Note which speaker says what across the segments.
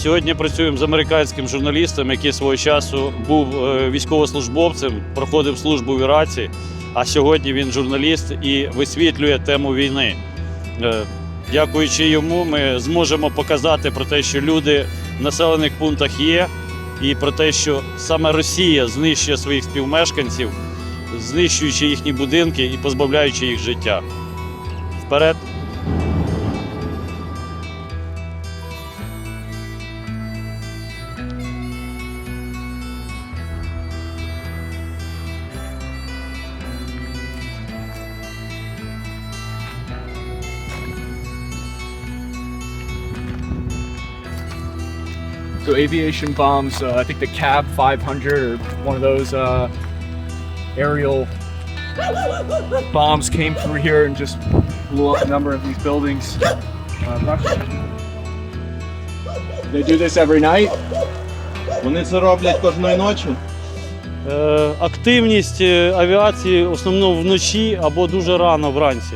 Speaker 1: Сьогодні працюємо з американським журналістом, який свого часу був військовослужбовцем, проходив службу в Іраці, а сьогодні він журналіст і висвітлює тему війни. Дякуючи йому, ми зможемо показати про те, що люди в населених пунктах є, і про те, що саме Росія знищує своїх співмешканців, знищуючи їхні будинки і позбавляючи їх життя. Вперед!
Speaker 2: So aviation bombs, I think the CAB 500 or one of those aerial bombs came through here and just blew up a number of these buildings. They do this every night.
Speaker 3: Вони це роблять кожної ночі.
Speaker 1: Активність авіації в основному вночі або дуже рано вранці.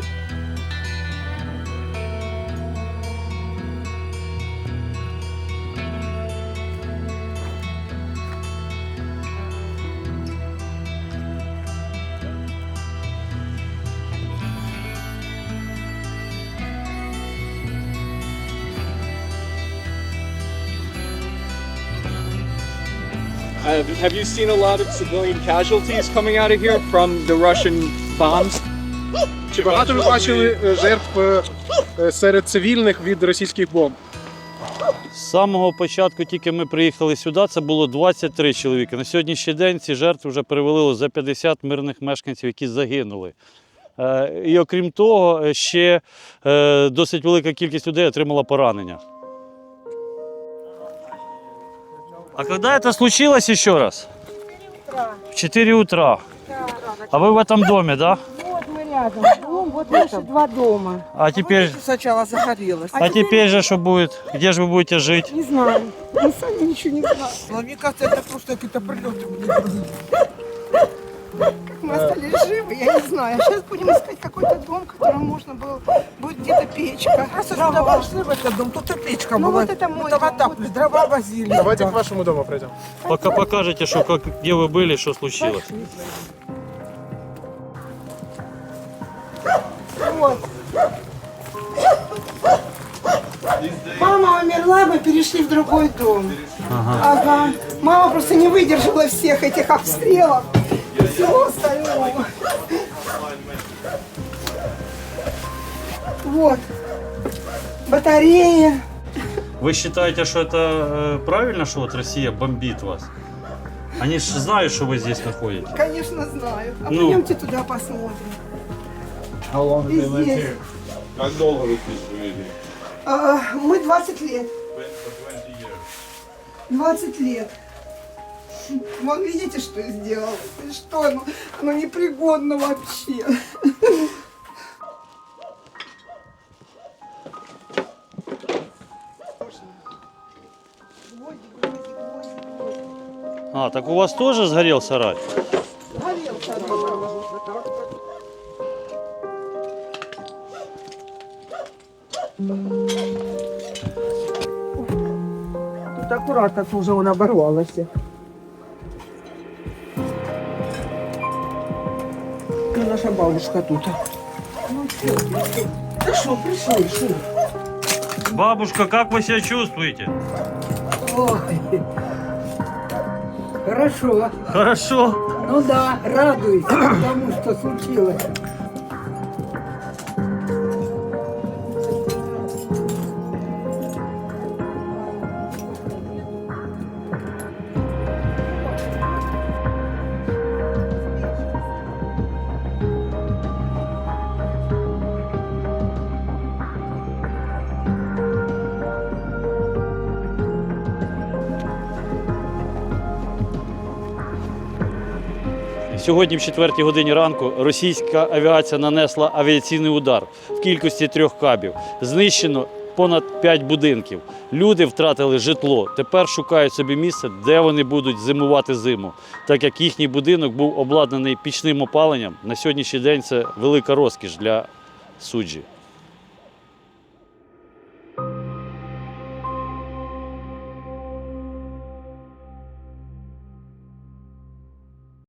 Speaker 2: Have you seen a lot of civilian casualties coming out of here from the Russian bombs?
Speaker 4: Чи багато ви бачили жертв серед цивільних від російських бомб?
Speaker 1: З самого початку, тільки ми приїхали сюди, це було 23 чоловіка. На сьогоднішній день ці жертви вже перевалило за 50 мирних мешканців, які загинули. І окрім того, ще досить велика кількість людей отримала поранення. А когда это случилось еще раз? В 4 утра. А вы в этом доме, да?
Speaker 5: Вот мы рядом. Дом, вот наши два дома.
Speaker 1: А теперь,
Speaker 5: Сначала загорелось.
Speaker 1: а теперь же что будет? Где же вы будете жить?
Speaker 5: Не знаю. Мы сами ничего не знаем.
Speaker 6: Но мне кажется, это просто какие-то прилеты были.
Speaker 5: Как мы остались живы, я не знаю. Сейчас будем искать какой-то дом, в котором можно было... Будет где-то печка.
Speaker 6: Раз сюда вошли в этот дом, тут и печка
Speaker 5: Ну
Speaker 6: была.
Speaker 5: вот это мой
Speaker 6: Это
Speaker 5: дом,
Speaker 6: вода,
Speaker 5: вот.
Speaker 6: дрова возили.
Speaker 4: Давайте к вашему дому пройдем.
Speaker 1: Пока покажете, что, где вы были, что случилось.
Speaker 5: Вот. Мама умерла, мы перешли в другой дом. Ага. Мама просто не выдержала всех этих обстрелов и всего остального. Вот. Батареи.
Speaker 1: Вы считаете, что это правильно, что вот Россия бомбит вас? Они же знают, что вы здесь находитесь.
Speaker 5: Конечно, знаю. А
Speaker 1: Ну.
Speaker 5: пойдемте туда посмотрим. И здесь.
Speaker 3: Як довго ви тут живете?
Speaker 5: Мы 20 лет. 20 лет. Вон видите, что я сделала? И что оно непригодно вообще.
Speaker 1: А, так у вас тоже сгорел сарай?
Speaker 5: Горел
Speaker 6: Тут аккуратно, тут уже он оборвался. Ну, наша бабушка тут. Да что, пришли, что?
Speaker 1: Бабушка, как вы себя чувствуете?
Speaker 7: Ой, хорошо.
Speaker 1: Хорошо.
Speaker 7: Ну да, радуюсь тому, что случилось.
Speaker 1: Сьогодні в 4 годині ранку російська авіація нанесла авіаційний удар в кількості 3 кабів. Знищено понад 5 будинків. Люди втратили житло. Тепер шукають собі місце, де вони будуть зимувати зиму. Так як їхній будинок був обладнаний пічним опаленням, на сьогоднішній день це велика розкіш для суджі.